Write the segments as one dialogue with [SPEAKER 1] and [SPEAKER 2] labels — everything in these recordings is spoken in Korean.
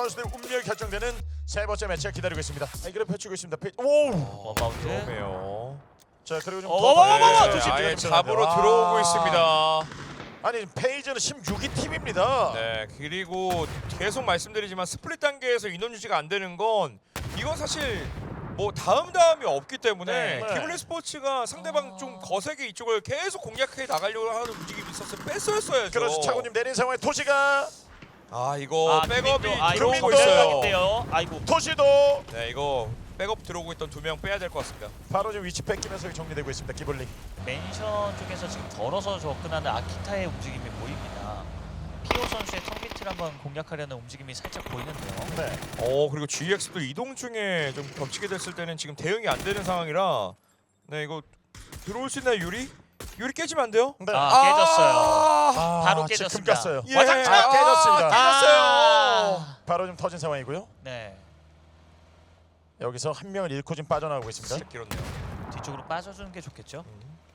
[SPEAKER 1] 선수들의 운명이 결정되는 세 번째 매치가 기다리고 있습니다. 이기를 펼치고 있습니다. 오!
[SPEAKER 2] 원바운드.
[SPEAKER 3] 그러네요.
[SPEAKER 1] 자 그리고 좀
[SPEAKER 2] 어머머머머!
[SPEAKER 1] 더-
[SPEAKER 2] 조심,
[SPEAKER 3] 아예
[SPEAKER 1] 조심.
[SPEAKER 3] 잡으로
[SPEAKER 1] 아.
[SPEAKER 3] 들어오고 있습니다.
[SPEAKER 1] 아니 페이지는 16위 팀입니다.
[SPEAKER 3] 네, 그리고 계속 말씀드리지만 스플릿 단계에서 인원 유지가 안 되는 건 이건 사실 뭐 다음이 없기 때문에
[SPEAKER 1] 네.
[SPEAKER 3] 기블리 스포츠가 상대방 좀 거세게 이쪽을 계속 공략해 나가려고 하는 움직임이 있어서 뺐어야죠.
[SPEAKER 1] 그렇죠. 차고님 내린 상황에 토시가
[SPEAKER 3] 아 이거 백업이
[SPEAKER 2] 이거
[SPEAKER 3] 들어오고
[SPEAKER 1] 또
[SPEAKER 3] 있어요.
[SPEAKER 2] 인데요. 아이고.
[SPEAKER 1] 토시도
[SPEAKER 3] 네, 이거 백업 들어오고 있던 2명 빼야 될 것 같습니다.
[SPEAKER 1] 바로 지금 위치 뺏기면서 정리되고 있습니다. 기블리.
[SPEAKER 2] 맨션 쪽에서 지금 걸어서 접근하는 아키타의 움직임이 보입니다. 피오 선수의 턱 밑을 한번 공략하려는 움직임이 살짝 보이는데요.
[SPEAKER 1] 네.
[SPEAKER 3] 그리고 GX도 이동 중에 좀 겹치게 됐을 때는 지금 대응이 안 되는 상황이라 네 이거 들어올 수 있나요 유리? 유리 깨지면 안 돼요?
[SPEAKER 1] 네.
[SPEAKER 2] 깨졌어요. 바로
[SPEAKER 1] 지금
[SPEAKER 2] 깨졌습니다.
[SPEAKER 1] 깠어요.
[SPEAKER 3] 예.
[SPEAKER 1] 와장창 깨졌습니다.
[SPEAKER 3] 깨졌어요.
[SPEAKER 1] 바로 좀 터진 상황이고요.
[SPEAKER 2] 네.
[SPEAKER 1] 여기서 한 명을 잃고 지금 빠져나가고 있습니다.
[SPEAKER 3] 진짜 길었네요.
[SPEAKER 2] 뒤쪽으로 빠져주는 게 좋겠죠.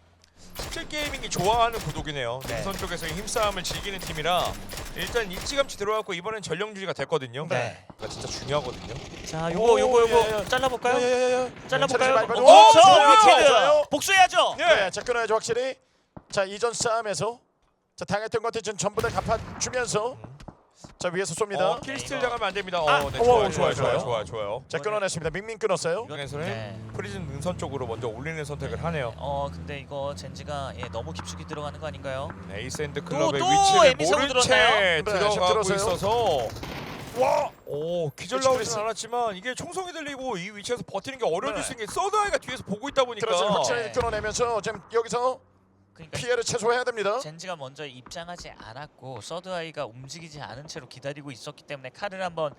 [SPEAKER 3] 17게이밍이 좋아하는 구독이네요.
[SPEAKER 2] 네.
[SPEAKER 3] 능선 쪽에서의 힘싸움을 즐기는 팀이라 일단 일찌감치 들어갔고 이번엔 전령 유지가 됐거든요.
[SPEAKER 2] 네.
[SPEAKER 3] 그러니까 진짜 중요하거든요.
[SPEAKER 2] 자,
[SPEAKER 1] 오,
[SPEAKER 2] 요거
[SPEAKER 1] 예, 예.
[SPEAKER 2] 잘라볼까요? 잘라볼까요?
[SPEAKER 1] 차례 많이 받은-
[SPEAKER 2] 오,
[SPEAKER 1] 오,
[SPEAKER 2] 저
[SPEAKER 1] 좋아요,
[SPEAKER 2] 위키드
[SPEAKER 1] 좋아요.
[SPEAKER 2] 복수해야죠.
[SPEAKER 1] 네, 자 끊어야죠 확실히. 자 이전 싸움에서 자 당했던 것들 좀 전부 다 갚아주면서 자 위에서 쏩니다.
[SPEAKER 3] 킬스틸
[SPEAKER 2] 이거.
[SPEAKER 3] 당하면 안 됩니다.
[SPEAKER 2] 아,
[SPEAKER 3] 네,
[SPEAKER 1] 오,
[SPEAKER 3] 좋아요.
[SPEAKER 1] 자 끊어냈습니다. 밍밍 끊었어요.
[SPEAKER 3] 이번에서는
[SPEAKER 2] 네.
[SPEAKER 3] 프리즌 능선 쪽으로 먼저 올리는 선택을 하네요.
[SPEAKER 2] 근데 이거 젠지가 너무 깊숙이 들어가는 거 아닌가요?
[SPEAKER 3] 에이스앤드 클럽의
[SPEAKER 2] 또
[SPEAKER 3] 위치를
[SPEAKER 2] 에미사고
[SPEAKER 3] 모른 채
[SPEAKER 2] 들었나요?
[SPEAKER 1] 네, 지금
[SPEAKER 3] 들어가고
[SPEAKER 1] 들었어요.
[SPEAKER 3] 있어서
[SPEAKER 1] 와.
[SPEAKER 3] 기절
[SPEAKER 1] 그렇지,
[SPEAKER 3] 나오진 않았지만 이게 총성이 들리고 이 위치에서 버티는 게 어려워질
[SPEAKER 1] 네.
[SPEAKER 3] 수 있는 게 서드아이가 뒤에서 보고 있다 보니까
[SPEAKER 1] 그렇죠. 확실히
[SPEAKER 2] 네.
[SPEAKER 1] 끊어내면서 지금 여기서
[SPEAKER 2] 그러니까
[SPEAKER 1] 피해를 최소화해야 됩니다.
[SPEAKER 2] 젠지가 먼저 입장하지 않았고 서드아이가 움직이지 않은 채로 기다리고 있었기 때문에 칼을 한번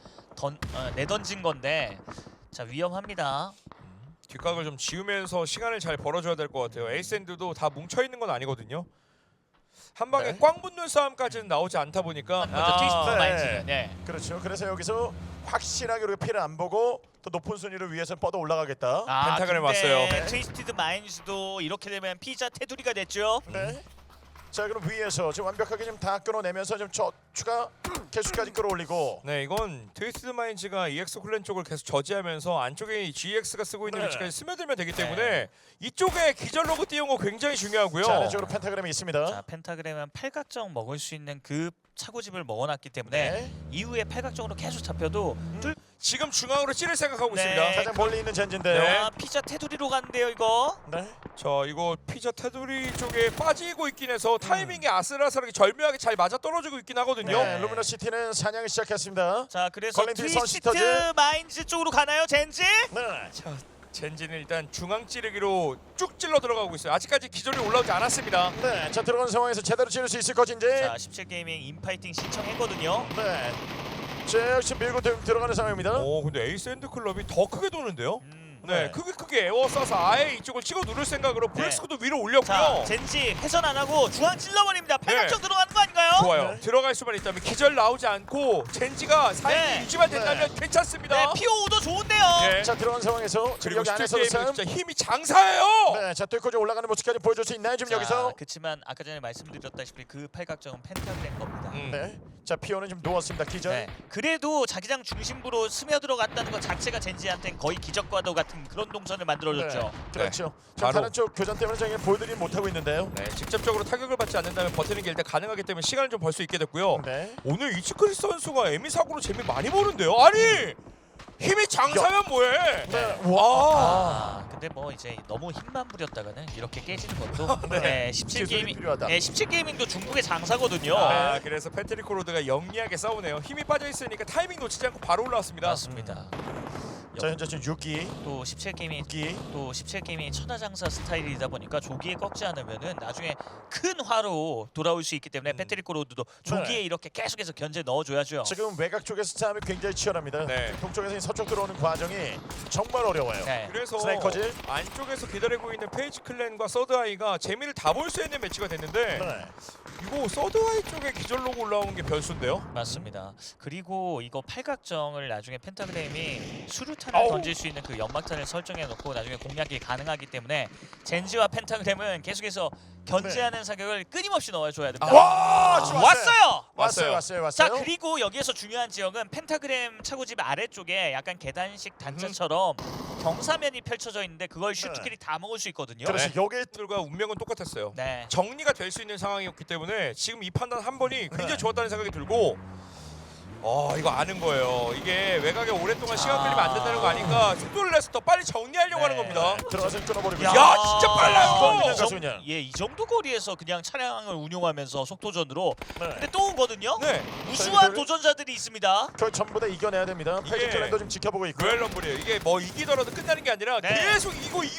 [SPEAKER 2] 내던진 건데 자 위험합니다.
[SPEAKER 3] 뒷각을 좀 지우면서 시간을 잘 벌어줘야 될 것 같아요. 에이스앤드도 다 뭉쳐있는 건 아니거든요. 한 방에
[SPEAKER 1] 네.
[SPEAKER 3] 꽝 붙는 싸움까지는 나오지 않다 보니까
[SPEAKER 2] 먼저 트위스트
[SPEAKER 1] 네.
[SPEAKER 2] 마인즈는
[SPEAKER 1] 그렇죠. 그래서 여기서 확실하게 우리가 피해를 안 보고 더 높은 순위를 위해서 뻗어 올라가겠다.
[SPEAKER 3] 펜타그램
[SPEAKER 2] 근데
[SPEAKER 3] 왔어요.
[SPEAKER 1] 네.
[SPEAKER 2] 트위스티드 마인즈도 이렇게 되면 피자 테두리가 됐죠.
[SPEAKER 1] 네. 자 그럼 위에서 지금 완벽하게 지금 다 끊어내면서 좀 추가 개수까지 끌어올리고.
[SPEAKER 3] 네, 이건 트위스트 마인즈가 EX 클랜 쪽을 계속 저지하면서 안쪽에 GX가 쓰고 있는
[SPEAKER 1] 네.
[SPEAKER 3] 위치까지 스며들면 되기 때문에 이쪽에 기절 로고 띄운 거 굉장히 중요하고요.
[SPEAKER 1] 자 안쪽으로 펜타그램이 있습니다.
[SPEAKER 2] 자 펜타그램은 팔각정 먹을 수 있는 그 차고집을 먹어놨기 때문에
[SPEAKER 1] 네.
[SPEAKER 2] 이후에 팔각정으로 계속 잡혀도
[SPEAKER 3] 지금 중앙으로 찌를 생각하고
[SPEAKER 2] 네.
[SPEAKER 3] 있습니다.
[SPEAKER 1] 가장 멀리 있는 젠진데요.
[SPEAKER 3] 네.
[SPEAKER 2] 피자 테두리로 간대요 이거.
[SPEAKER 1] 네.
[SPEAKER 3] 자, 이거 피자 테두리 쪽에 빠지고 있긴 해서 타이밍이 아슬아슬하게 절묘하게 잘 맞아 떨어지고 있긴 하거든요.
[SPEAKER 1] 네. 루미너 시티는 사냥을 시작했습니다.
[SPEAKER 2] 자 그래서
[SPEAKER 1] 걸린 뒤
[SPEAKER 2] 트위스트
[SPEAKER 1] 선시터즈.
[SPEAKER 2] 마인즈 쪽으로 가나요 젠지?
[SPEAKER 1] 네.
[SPEAKER 3] 자, 젠지는 일단 중앙 찌르기로 쭉 찔러 들어가고 있어요. 아직까지 기절이 올라오지 않았습니다.
[SPEAKER 1] 네. 자 들어가는 상황에서 제대로 찌를 수 있을 것인지.
[SPEAKER 2] 자 17게이밍 인파이팅 신청했거든요.
[SPEAKER 1] 네. 자 역시 밀고 들어가는 상황입니다.
[SPEAKER 3] 근데 에이스앤드 클럽이 더 크게 도는데요. 네,
[SPEAKER 1] 네.
[SPEAKER 3] 크게 에워싸서 아예 이쪽을 치고 누를 생각으로 브렉스코도 위로 올렸고요.
[SPEAKER 2] 자 젠지 회전 안 하고 중앙 찔러버립니다. 팔각정 들어가는 거 아닌가요?
[SPEAKER 3] 좋아요.
[SPEAKER 1] 네.
[SPEAKER 3] 들어갈 수만 있다면 기절 나오지 않고 젠지가 사이드
[SPEAKER 2] 네.
[SPEAKER 3] 유지만 된다면
[SPEAKER 2] 네
[SPEAKER 3] 괜찮습니다.
[SPEAKER 2] 피오도 좋은데요.
[SPEAKER 3] 네.
[SPEAKER 1] 자 들어가는 상황에서
[SPEAKER 3] 그리고
[SPEAKER 1] 여기 안에서도
[SPEAKER 3] 슈팅 게임은
[SPEAKER 1] 싸움.
[SPEAKER 3] 진짜 힘이 장사예요.
[SPEAKER 1] 네. 자 뚫고 좀 올라가는 모습까지 보여줄 수 있나요 지금 여기서?
[SPEAKER 2] 그렇지만 아까 전에 말씀드렸다시피 그 팔각정은 펜타그램 겁니다.
[SPEAKER 1] 네. 자 피오는 지금 누웠습니다. 기절.
[SPEAKER 2] 네. 그래도 자기장 중심부로 스며들어갔다는 것 자체가 젠지한테는 거의 기적과도 같은 그런 동선을 만들어줬죠.
[SPEAKER 1] 그렇죠. 자
[SPEAKER 3] 바로.
[SPEAKER 1] 다른 쪽 교전 때문에 저희가 보여드리지 못하고 있는데요.
[SPEAKER 3] 네, 직접적으로 타격을 받지 않는다면 버티는 게 일단 가능하기 때문에 시간을 좀 벌 수 있게 됐고요.
[SPEAKER 1] 네.
[SPEAKER 3] 오늘 이츠크리스 선수가 에미 사고로 재미 많이 보는데요. 아니 힘이 장사면 뭐해?
[SPEAKER 1] 네.
[SPEAKER 3] 와.
[SPEAKER 2] 근데 뭐 이제 너무 힘만 부렸다가는 이렇게 깨지는 것도 네, 17
[SPEAKER 1] 기술이
[SPEAKER 2] 게이밍
[SPEAKER 1] 필요하다.
[SPEAKER 2] 네, 17 게이밍도 중국의 장사거든요.
[SPEAKER 3] 그래서 패트릭 로드가 영리하게 싸우네요. 힘이 빠져 있으니까 타이밍 놓치지 않고 바로 올라왔습니다.
[SPEAKER 2] 맞습니다.
[SPEAKER 1] 자 현재 지금 6기.
[SPEAKER 2] 또 17 게이밍
[SPEAKER 1] 6기.
[SPEAKER 2] 또 17 게임이 천하장사 스타일이다 보니까 조기에 꺾지 않으면은 나중에 큰 화로 돌아올 수 있기 때문에 패트릭 로드도 조기에
[SPEAKER 1] 네.
[SPEAKER 2] 이렇게 계속해서 견제 넣어줘야죠.
[SPEAKER 1] 지금 외곽 쪽에서 싸움이 굉장히 치열합니다.
[SPEAKER 3] 네.
[SPEAKER 1] 동쪽에서 서쪽 들어오는 과정이 정말 어려워요.
[SPEAKER 2] 네.
[SPEAKER 3] 그래서
[SPEAKER 1] 스나이커즈.
[SPEAKER 3] 안쪽에서 기다리고 있는 페이지 클랜과 서드아이가 재미를 다 볼 수 있는 매치가 됐는데
[SPEAKER 1] 네.
[SPEAKER 3] 이거 서드아이 쪽에 기절 로고 올라오는 게 변수인데요.
[SPEAKER 2] 맞습니다. 그리고 이거 팔각정을 나중에 펜타그램이 수류탄 수류탄을
[SPEAKER 1] 어우.
[SPEAKER 2] 던질 수 있는 그 연막탄을 설정해 놓고 나중에 공략이 가능하기 때문에 젠지와 펜타그램은 계속해서 견제하는 사격을 끊임없이 넣어줘야 됩니다.
[SPEAKER 1] 와, 지금
[SPEAKER 2] 왔어요. 자
[SPEAKER 1] 왔어요.
[SPEAKER 2] 그리고 여기에서 중요한 지역은 펜타그램 차고집 아래쪽에 약간 계단식 단차처럼 경사면이 펼쳐져 있는데 그걸 슈트킬이 다 먹을 수 있거든요.
[SPEAKER 1] 그렇지. 여기
[SPEAKER 3] 들과 운명은 똑같았어요.
[SPEAKER 2] 네.
[SPEAKER 3] 정리가 될 수 있는 상황이었기 때문에 지금 이 판단 한 번이 굉장히 좋았다는 생각이 들고 이거 아는 거예요. 이게 외곽에 오랫동안 시간 끌리면 안 된다는 거 아니까 속도를 내서 더 빨리 정리하려고 하는 겁니다.
[SPEAKER 1] 들어가서 끊어버리고.
[SPEAKER 3] 야, 진짜 빨라요.
[SPEAKER 1] 가수냐.
[SPEAKER 2] 이 정도 거리에서 그냥 차량을 운용하면서 속도전으로
[SPEAKER 1] 네.
[SPEAKER 2] 근데 또 오거든요.
[SPEAKER 3] 네,
[SPEAKER 2] 무수한 도전자들이 있습니다.
[SPEAKER 1] 그걸 전부 다 이겨내야 됩니다.
[SPEAKER 3] 이게
[SPEAKER 1] 페이지 클랜도 지금 지켜보고 있고.
[SPEAKER 3] 로얄 럼블이에요. 이게 뭐 이기더라도 끝나는 게 아니라
[SPEAKER 2] 네.
[SPEAKER 3] 계속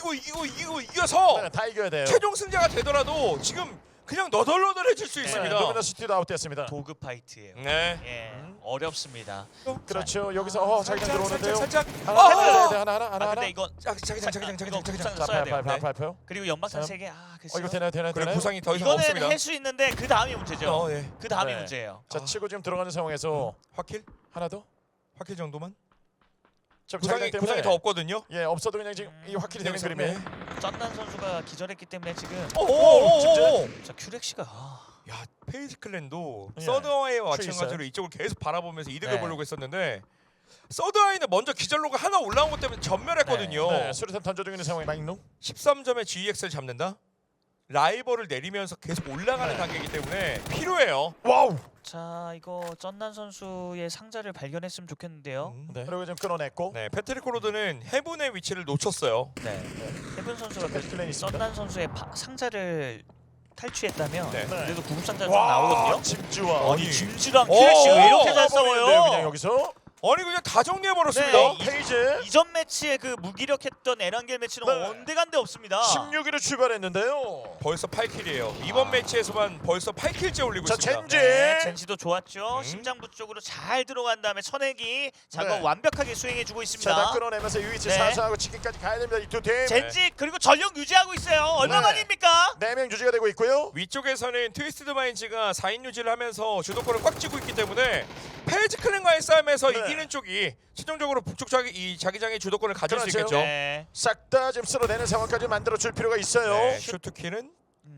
[SPEAKER 3] 이겨서
[SPEAKER 1] 네, 다 이겨야 돼요.
[SPEAKER 3] 최종 승자가 되더라도 지금 그냥 너덜너덜해질 수 있습니다.
[SPEAKER 1] 도미너 시티도 아웃됐습니다.
[SPEAKER 2] 도급 파이트예요.
[SPEAKER 3] 네.
[SPEAKER 2] 예, 어렵습니다.
[SPEAKER 1] 그렇죠. 여기서 자기장 들어오는데요.
[SPEAKER 3] 살짝.
[SPEAKER 1] 하나 해야 돼. 하나.
[SPEAKER 2] 아 근데 이건
[SPEAKER 3] 자기장.
[SPEAKER 2] 이거 구상
[SPEAKER 1] 자,
[SPEAKER 2] 써야 돼요.
[SPEAKER 1] 발표.
[SPEAKER 2] 그리고 연막탄
[SPEAKER 1] 자.
[SPEAKER 2] 3개. 글쎄요.
[SPEAKER 1] 이거 되나요?
[SPEAKER 3] 그리고 구상이 더 이상
[SPEAKER 2] 이거는
[SPEAKER 3] 없습니다.
[SPEAKER 2] 할 수 있는데 그 다음이 문제죠.
[SPEAKER 3] 네.
[SPEAKER 2] 그 다음이
[SPEAKER 1] 네.
[SPEAKER 2] 문제예요.
[SPEAKER 1] 자, 치고 지금 들어가는 상황에서
[SPEAKER 3] 화킬?
[SPEAKER 1] 하나 더.
[SPEAKER 3] 화킬 정도만?
[SPEAKER 1] 자,
[SPEAKER 3] 구상이 더 없거든요.
[SPEAKER 1] 예, 없어도 그냥 지금 이 확실히 되는 그림이에요.
[SPEAKER 2] 쩐난 선수가 기절했기 때문에 지금
[SPEAKER 3] 오오오오.
[SPEAKER 2] 자 큐렉시가
[SPEAKER 3] 야, 페이지 클랜도
[SPEAKER 1] 예.
[SPEAKER 3] 서드아이와
[SPEAKER 1] 큐
[SPEAKER 3] 마찬가지로 이쪽을 계속 바라보면서 이득을
[SPEAKER 2] 네.
[SPEAKER 3] 보려고 했었는데 서드아이는 먼저 기절로가 하나 올라온 것 때문에 전멸했거든요.
[SPEAKER 1] 네, 수류탄 던져주고 있는 상황이 마익농.
[SPEAKER 3] 13점의 GEX를 잡는다? 라이벌을 내리면서 계속 올라가는
[SPEAKER 1] 네.
[SPEAKER 3] 단계이기 때문에 필요해요.
[SPEAKER 1] 와우.
[SPEAKER 2] 자 이거 쩐난 선수의 상자를 발견했으면 좋겠는데요.
[SPEAKER 1] 네. 그리고 지금 끊어냈고.
[SPEAKER 3] 네, 패트릭 코로드는 해븐의 위치를 놓쳤어요.
[SPEAKER 2] 네. 해븐 선수가
[SPEAKER 1] 자, 패스플레인 있습니다.
[SPEAKER 2] 쩐난 선수의 상자를 탈취했다면
[SPEAKER 3] 네.
[SPEAKER 2] 그래도 구급 상자가 좀 나오거든요.
[SPEAKER 1] 짐주와.
[SPEAKER 3] 아니,
[SPEAKER 2] 짐즈랑
[SPEAKER 3] 오!
[SPEAKER 2] 큐렉시가 왜 이렇게 잘
[SPEAKER 1] 싸워버리는데요,
[SPEAKER 2] 싸워요?
[SPEAKER 1] 그냥 여기서.
[SPEAKER 3] 아니 그냥 다 정리해버렸습니다.
[SPEAKER 2] 네,
[SPEAKER 1] 페이지.
[SPEAKER 2] 이전 매치에 그 무기력했던 에란겔 매치는
[SPEAKER 1] 네.
[SPEAKER 2] 언데간데 없습니다.
[SPEAKER 1] 16위로 출발했는데요.
[SPEAKER 3] 벌써 8킬이에요. 이번 매치에서만 벌써 8킬째 올리고
[SPEAKER 1] 자,
[SPEAKER 3] 있습니다.
[SPEAKER 1] 젠지.
[SPEAKER 2] 네, 젠지도 좋았죠. 심장부 쪽으로 잘 들어간 다음에 천액이 작업
[SPEAKER 1] 네.
[SPEAKER 2] 완벽하게 수행해주고
[SPEAKER 1] 자,
[SPEAKER 2] 있습니다.
[SPEAKER 1] 다 끌어내면서 유이치
[SPEAKER 2] 네.
[SPEAKER 1] 사수하고 치킨까지 가야 됩니다. 이 두 팀.
[SPEAKER 2] 젠지 그리고 전력 유지하고 있어요. 얼마만입니까?
[SPEAKER 1] 4명 유지가 되고 있고요.
[SPEAKER 3] 위쪽에서는 트위스트 마인즈가 4인 유지를 하면서 주도권을 꽉 쥐고 있기 때문에 페이지 클랜과의 싸움에서
[SPEAKER 1] 네.
[SPEAKER 3] 이기는 쪽이 최종적으로 북쪽 자기장의 주도권을 가질 수
[SPEAKER 1] 그렇죠.
[SPEAKER 3] 있겠죠.
[SPEAKER 2] 네.
[SPEAKER 1] 싹 다 지금 쓸어내는 상황까지 만들어 줄 필요가 있어요.
[SPEAKER 3] 네, 슈트키는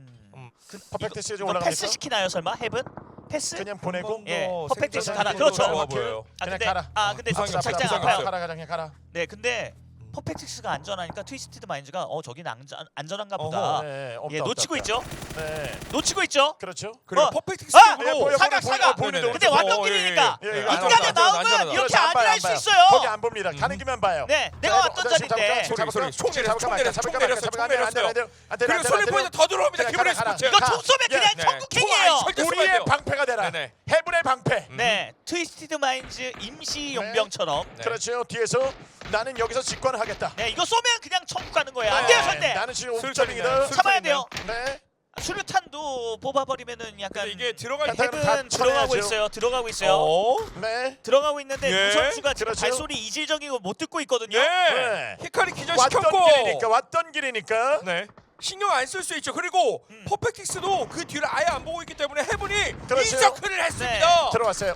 [SPEAKER 1] 퍼펙트스가 지금
[SPEAKER 2] 이거
[SPEAKER 1] 올라가니까.
[SPEAKER 2] 패스 시키나요 설마? 헤븐? 패스?
[SPEAKER 1] 그냥 보내고
[SPEAKER 2] 예, 퍼펙트
[SPEAKER 1] 생존
[SPEAKER 2] 가라.
[SPEAKER 1] 상황이
[SPEAKER 2] 그렇죠.
[SPEAKER 3] 좋아 보여요.
[SPEAKER 2] 아
[SPEAKER 1] 그냥
[SPEAKER 2] 근데
[SPEAKER 1] 가라.
[SPEAKER 2] 근데
[SPEAKER 3] 부상이
[SPEAKER 2] 살짝
[SPEAKER 3] 부상이
[SPEAKER 2] 아파요.
[SPEAKER 3] 없어요.
[SPEAKER 1] 가라 그냥 가라.
[SPEAKER 2] 네, 근데 퍼펙트스가 안전하니까 트위스티드 마인즈가 저긴 안전한가 보다.
[SPEAKER 3] 어허.
[SPEAKER 1] 네, 없다,
[SPEAKER 2] 예,
[SPEAKER 1] 없다,
[SPEAKER 2] 놓치고
[SPEAKER 1] 없다.
[SPEAKER 2] 있죠.
[SPEAKER 1] 네,
[SPEAKER 2] 놓치고 있죠.
[SPEAKER 1] 그렇죠.
[SPEAKER 3] 그리고
[SPEAKER 2] 어.
[SPEAKER 3] 퍼펙트
[SPEAKER 2] 아!
[SPEAKER 3] 스틱으로
[SPEAKER 2] 사각, 사각.
[SPEAKER 1] 보이는데
[SPEAKER 2] 근데 왔던 길이니까
[SPEAKER 1] 예, 예.
[SPEAKER 2] 인간의
[SPEAKER 3] 안전하다,
[SPEAKER 2] 마음은
[SPEAKER 3] 안전하다.
[SPEAKER 2] 이렇게
[SPEAKER 1] 그렇죠, 안
[SPEAKER 2] 안
[SPEAKER 1] 봐요,
[SPEAKER 2] 할
[SPEAKER 1] 안
[SPEAKER 2] 수
[SPEAKER 1] 봐요.
[SPEAKER 2] 있어요.
[SPEAKER 1] 거기 안 봅니다. 가는 길만 봐요.
[SPEAKER 2] 네, 내가 왔던 자리인데.
[SPEAKER 3] 소리, 총 내렸어요. 그리고 솔리 포인트 더 들어옵니다. 기분의 스포츠.
[SPEAKER 2] 이거 총 쏘면 그냥
[SPEAKER 3] 네.
[SPEAKER 2] 천국행이에요.
[SPEAKER 1] 우리의 방패가 되라.
[SPEAKER 3] 네네.
[SPEAKER 1] 해븐의 방패.
[SPEAKER 2] 네, 트위스티드 마인즈 임시 용병처럼.
[SPEAKER 3] 네.
[SPEAKER 1] 그렇죠. 뒤에서 나는 여기서 직관을 하겠다.
[SPEAKER 2] 네, 이거 쏘면 그냥 천국 가는 거예요. 안 돼요,
[SPEAKER 1] 네,
[SPEAKER 2] 절대.
[SPEAKER 1] 나는 지금
[SPEAKER 3] 술탄이네.
[SPEAKER 1] 5점이다.
[SPEAKER 2] 참아야 돼요.
[SPEAKER 1] 네.
[SPEAKER 2] 수류탄도 뽑아버리면은 약간
[SPEAKER 3] 근데 이게 들어갈
[SPEAKER 1] 약간
[SPEAKER 3] 때
[SPEAKER 2] 헤븐
[SPEAKER 1] 다
[SPEAKER 2] 들어가고
[SPEAKER 1] 쳐내야죠.
[SPEAKER 2] 있어요. 들어가고 있어요.
[SPEAKER 1] 네.
[SPEAKER 2] 들어가고 있는데
[SPEAKER 3] 예,
[SPEAKER 2] 두 선수가 지금
[SPEAKER 1] 그렇죠.
[SPEAKER 2] 발소리 이질적인 거 못 듣고 있거든요.
[SPEAKER 3] 네. 히카리 기절시켰고
[SPEAKER 1] 왔던 길이니까.
[SPEAKER 3] 네. 신경 안 쓸 수 있죠. 그리고 퍼펙틱스도 그 뒤를 아예 안 보고 있기 때문에 해븐이
[SPEAKER 1] 그렇죠.
[SPEAKER 3] 인서클을 했습니다.
[SPEAKER 1] 들어왔어요.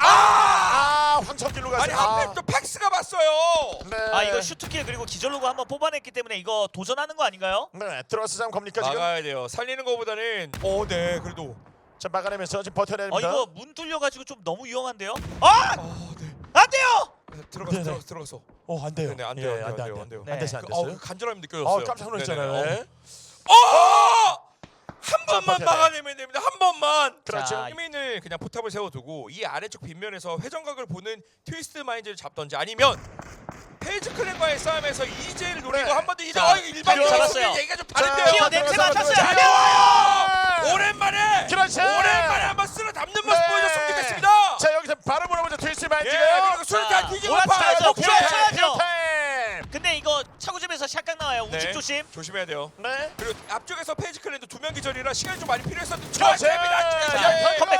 [SPEAKER 1] 황천길로
[SPEAKER 3] 아니
[SPEAKER 1] 갔어요.
[SPEAKER 3] 한편 또 팩스가 봤어요.
[SPEAKER 1] 네.
[SPEAKER 2] 아 이거 슈트킬 그리고 기절로고 한번 뽑아냈기 때문에 이거 도전하는 거 아닌가요?
[SPEAKER 1] 네. 들어와서 장 겁니까 지금?
[SPEAKER 3] 막아야 돼요. 살리는 것보다는 네 그래도
[SPEAKER 1] 자, 막아내면서 지금 버텨야 됩니다.
[SPEAKER 2] 이거 문 뚫려가지고 좀 너무 위험한데요? 아!
[SPEAKER 3] 네.
[SPEAKER 2] 안 돼요!
[SPEAKER 3] 들어갔어.
[SPEAKER 1] 안 돼요.
[SPEAKER 3] 안
[SPEAKER 1] 예,
[SPEAKER 3] 돼요.
[SPEAKER 1] 안 돼.
[SPEAKER 2] 네.
[SPEAKER 1] 안 됐어요. 안
[SPEAKER 3] 그,
[SPEAKER 1] 됐어요.
[SPEAKER 3] 그 간절함이 느껴졌어요.
[SPEAKER 1] 깜짝 놀랐잖아요. 네.
[SPEAKER 3] 한 번만
[SPEAKER 1] 버텨야 돼.
[SPEAKER 3] 막아내면 됩니다. 한 번만.
[SPEAKER 1] 그렇죠.
[SPEAKER 2] 자,
[SPEAKER 3] 희민을 그냥 포탑을 세워두고 이 아래쪽 빗면에서 회전각을 보는 트위스트 마인드를 잡던지 아니면 페이지 클랜과의 싸움에서 이제를 노리고
[SPEAKER 1] 네.
[SPEAKER 3] 한 번 더 이제
[SPEAKER 2] 자,
[SPEAKER 3] 일반
[SPEAKER 2] 잡았어요.
[SPEAKER 3] 잡았어요. 얘기가 좀 다른데요.
[SPEAKER 2] 피어 냄새 맡았어요.
[SPEAKER 3] 잘해와요. 오랜만에
[SPEAKER 1] 그렇죠.
[SPEAKER 3] 오랜만에 한번 쓸어 담는 모습
[SPEAKER 1] 네.
[SPEAKER 3] 보여줬으면 좋겠습니다.
[SPEAKER 1] 자, 여기서 바로 몰아보죠. 트위스트
[SPEAKER 3] 예,
[SPEAKER 1] 마인드가.
[SPEAKER 3] 그리고 술탄 뒤지고
[SPEAKER 2] 몰아쳐야죠.
[SPEAKER 3] 파요.
[SPEAKER 2] 몰아쳐야죠.
[SPEAKER 1] 타임.
[SPEAKER 2] 근데 이거 차고집에서 샷각 나와요. 우측 조심.
[SPEAKER 3] 조심해야 돼요.
[SPEAKER 1] 네.
[SPEAKER 3] 그리고 앞쪽에서 페이지 클랜도 2명 기절이라 시간이 좀 많이 필요했었는데
[SPEAKER 1] 그렇죠.
[SPEAKER 2] 자, 컴백.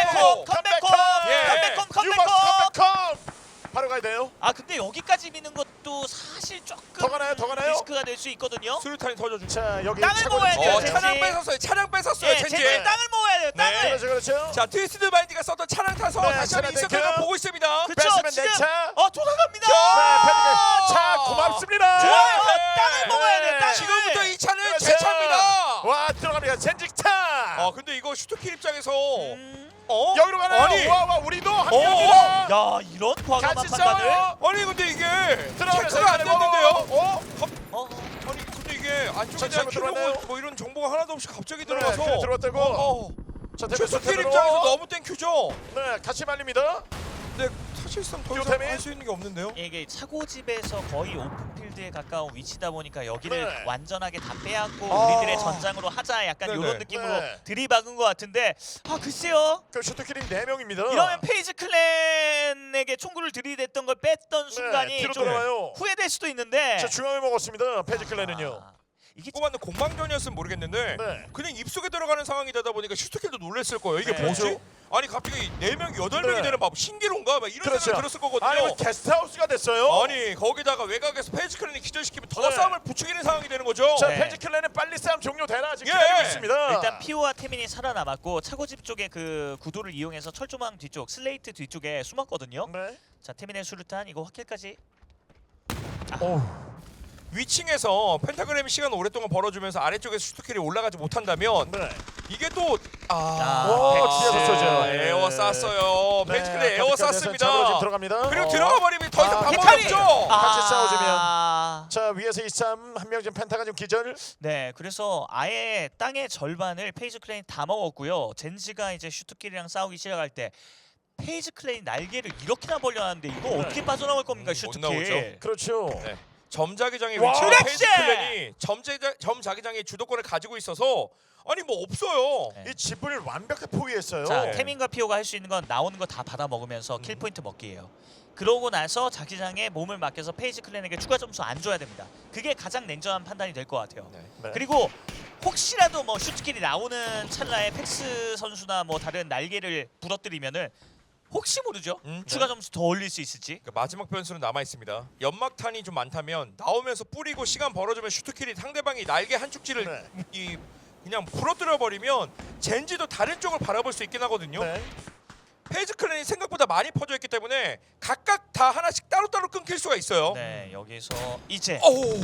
[SPEAKER 1] 바로 가야 돼요.
[SPEAKER 2] 아 근데 여기까지 미는 것 이것도 사실 조금
[SPEAKER 1] 더 가나요? 더 가나요?
[SPEAKER 2] 리스크가 될 수 있거든요.
[SPEAKER 3] 수류탄이 터져주죠.
[SPEAKER 1] 자 여기
[SPEAKER 2] 땅을
[SPEAKER 1] 차고
[SPEAKER 2] 먹어야 돼요,
[SPEAKER 1] 젠지.
[SPEAKER 3] 차량 뺏었어요. 차량 뺏었어요.
[SPEAKER 2] 예,
[SPEAKER 3] 젠지.
[SPEAKER 2] 젠지 땅을 먹어야 돼요. 땅을.
[SPEAKER 3] 네.
[SPEAKER 1] 그렇죠.
[SPEAKER 3] 자 트위스트 마인드가 썼던 차량 타서
[SPEAKER 1] 네,
[SPEAKER 3] 다시 한번
[SPEAKER 1] 차량
[SPEAKER 3] 인서클을
[SPEAKER 1] 땡큐.
[SPEAKER 3] 보고 있습니다.
[SPEAKER 2] 그쵸,
[SPEAKER 1] 뺐으면
[SPEAKER 2] 지금
[SPEAKER 1] 내 차.
[SPEAKER 2] 돌아갑니다.
[SPEAKER 1] 네, 패드가 차 고맙습니다.
[SPEAKER 2] 좋아요.
[SPEAKER 3] 네.
[SPEAKER 2] 땅을 먹어야 돼요. 땅을.
[SPEAKER 3] 지금부터 이 차는
[SPEAKER 1] 그렇죠.
[SPEAKER 3] 제 차입니다.
[SPEAKER 1] 와 들어갑니다. 젠지 차.
[SPEAKER 3] 근데 이거 슈터킬 입장에서
[SPEAKER 2] 음.
[SPEAKER 1] 여기로 가나요?
[SPEAKER 3] 아니
[SPEAKER 1] 와 우리도 합류합니다.
[SPEAKER 2] 야, 이런 과감한
[SPEAKER 1] 같이
[SPEAKER 2] 판단을.
[SPEAKER 1] 싸워요.
[SPEAKER 3] 아니 근데 이게
[SPEAKER 1] 들어가면서
[SPEAKER 3] 체크가 안 됐는데요.
[SPEAKER 2] 어?
[SPEAKER 3] 아니 근데 이게 안쪽에
[SPEAKER 1] 자,
[SPEAKER 3] 대한
[SPEAKER 1] 잘못 들어왔나요?
[SPEAKER 3] 큐브 뭐 이런 정보가 하나도 없이 갑자기
[SPEAKER 1] 네,
[SPEAKER 3] 들어와서
[SPEAKER 1] 큐 들어왔다고. 자
[SPEAKER 3] 슈터킬 입장에서 너무 땡큐죠.
[SPEAKER 1] 네 같이 말립니다.
[SPEAKER 3] 근데 사실상 더 이상
[SPEAKER 1] 요템이?
[SPEAKER 3] 할 수 있는 게 없는데요.
[SPEAKER 2] 이게 차고집에서 거의 오픈필드에 가까운 위치다 보니까 여기를
[SPEAKER 1] 네.
[SPEAKER 2] 완전하게 다 빼앗고
[SPEAKER 3] 아.
[SPEAKER 2] 우리들의 전장으로 하자 약간
[SPEAKER 3] 네네.
[SPEAKER 2] 이런 느낌으로
[SPEAKER 1] 네.
[SPEAKER 2] 들이박은 것 같은데 글쎄요.
[SPEAKER 1] 그 슈터킬이 4명입니다.
[SPEAKER 2] 이러면 페이지 클랜에게 총구를 들이댔던 걸 뺐던 순간이
[SPEAKER 1] 뒤로
[SPEAKER 2] 좀
[SPEAKER 1] 돌아와요.
[SPEAKER 2] 후회될 수도 있는데
[SPEAKER 1] 자 중앙을 먹었습니다. 패지 클랜은요.
[SPEAKER 2] 이게
[SPEAKER 3] 뽑았는 공방전이었으면 모르겠는데
[SPEAKER 1] 네.
[SPEAKER 3] 그냥 입속에 들어가는 상황이 되다 보니까 슈터킬도 놀랬을 거예요. 이게
[SPEAKER 2] 네.
[SPEAKER 3] 뭐지?
[SPEAKER 1] 그렇죠.
[SPEAKER 3] 아니 갑자기 4명, 8명이
[SPEAKER 1] 네.
[SPEAKER 3] 되는 밥 신기론가? 막 이런
[SPEAKER 1] 그렇죠.
[SPEAKER 3] 생각이 들었을 거거든요.
[SPEAKER 1] 아니 뭐 게스트하우스가 됐어요.
[SPEAKER 3] 아니 거기다가 외곽에서 페이지 클랜이 기절시키면 더
[SPEAKER 1] 네.
[SPEAKER 3] 싸움을 부추기는 상황이 되는 거죠.
[SPEAKER 1] 자
[SPEAKER 2] 네.
[SPEAKER 1] 패지 클랜은 빨리 싸움 종료되나 지금
[SPEAKER 3] 예.
[SPEAKER 1] 기다리고 있습니다.
[SPEAKER 2] 일단 피오와 태민이 살아남았고 차고집 쪽에 그 구도를 이용해서 철조망 뒤쪽 슬레이트 뒤쪽에 숨었거든요.
[SPEAKER 1] 네.
[SPEAKER 2] 자 태민의 수류탄 이거 확킬까지.
[SPEAKER 1] 오.
[SPEAKER 3] 위층에서 펜타그램이 시간을 오랫동안 벌어주면서 아래쪽에서 슈터킬이 올라가지 못한다면
[SPEAKER 1] 네.
[SPEAKER 3] 이게 또
[SPEAKER 1] 오, 뒤에서 쏘죠.
[SPEAKER 3] 에어 쐈어요.
[SPEAKER 1] 네,
[SPEAKER 3] 페이지 클랜 에어
[SPEAKER 1] 잡으로 지금
[SPEAKER 3] 쐈습니다.
[SPEAKER 1] 들어갑니다.
[SPEAKER 3] 그리고 들어가 버리면 더 이상
[SPEAKER 1] 아,
[SPEAKER 3] 방법이
[SPEAKER 2] 헤카리!
[SPEAKER 3] 없죠.
[SPEAKER 1] 같이 싸워주면.
[SPEAKER 2] 아,
[SPEAKER 1] 자 위에서 이쌈 한 명 지금 펜타가 지금 기절.
[SPEAKER 2] 네, 그래서 아예 땅의 절반을 페이지 클랜이 다 먹었고요. 젠지가 이제 슈트킬이랑 싸우기 시작할 때 페이지 클랜이 날개를 이렇게나 벌려놨는데 이거
[SPEAKER 1] 네.
[SPEAKER 2] 어떻게 빠져나올 겁니까
[SPEAKER 3] 못
[SPEAKER 2] 슈트킬?
[SPEAKER 3] 나오죠.
[SPEAKER 1] 그렇죠.
[SPEAKER 3] 네. 점자기장의
[SPEAKER 1] 와,
[SPEAKER 3] 위치로
[SPEAKER 2] 그렇지!
[SPEAKER 3] 페이지 클랜이 점자기장의 주도권을 가지고 있어서 아니 뭐 없어요.
[SPEAKER 2] 네.
[SPEAKER 1] 이 집을 완벽하게 포위했어요.
[SPEAKER 2] 자,
[SPEAKER 3] 네.
[SPEAKER 2] 태민과 피오가 할 수 있는 건 나오는 거 다 받아 먹으면서 킬 포인트 먹기예요. 그러고 나서 자기장에 몸을 맡겨서 페이지 클랜에게 추가 점수 안 줘야 됩니다. 그게 가장 냉정한 판단이 될 것 같아요.
[SPEAKER 1] 네.
[SPEAKER 2] 그리고 혹시라도 뭐 슈트킬이 나오는 찰나에 팩스 선수나 뭐 다른 날개를 부러뜨리면은 혹시 모르죠? 추가 점수 더 올릴 수 있을지.
[SPEAKER 3] 그러니까 마지막 변수는 남아 있습니다. 연막탄이 좀 많다면 나오면서 뿌리고 시간 벌어주면 슈트킬이 상대방이 날개 한 축지를
[SPEAKER 1] 네.
[SPEAKER 3] 그냥 부러뜨려 버리면 젠지도 다른 쪽을 바라볼 수 있긴 하거든요.
[SPEAKER 1] 네.
[SPEAKER 3] 페이지 클랜이 생각보다 많이 퍼져 있기 때문에 각각 다 하나씩 따로따로 끊길 수가 있어요.
[SPEAKER 2] 네, 여기서 이제
[SPEAKER 3] 오,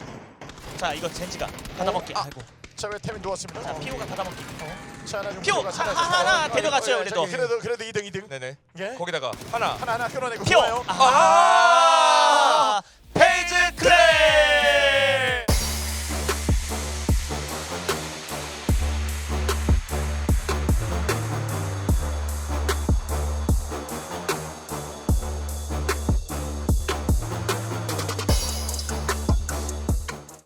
[SPEAKER 2] 자 이거 젠지가 받아먹기.
[SPEAKER 3] 아.
[SPEAKER 2] 아이고.
[SPEAKER 1] 자왜 태민 누웠습니다.
[SPEAKER 2] 자 피오가 받아먹기.
[SPEAKER 1] 자 하나 좀
[SPEAKER 2] 피오!
[SPEAKER 1] 들어가서
[SPEAKER 2] 하나 데려갔어요, 그래도.
[SPEAKER 1] 그래도 2등.
[SPEAKER 3] 네네.
[SPEAKER 1] 예?
[SPEAKER 3] 거기다가 하나.
[SPEAKER 1] 하나 끊어내고
[SPEAKER 2] 피오!
[SPEAKER 1] 좋아요.
[SPEAKER 2] 아,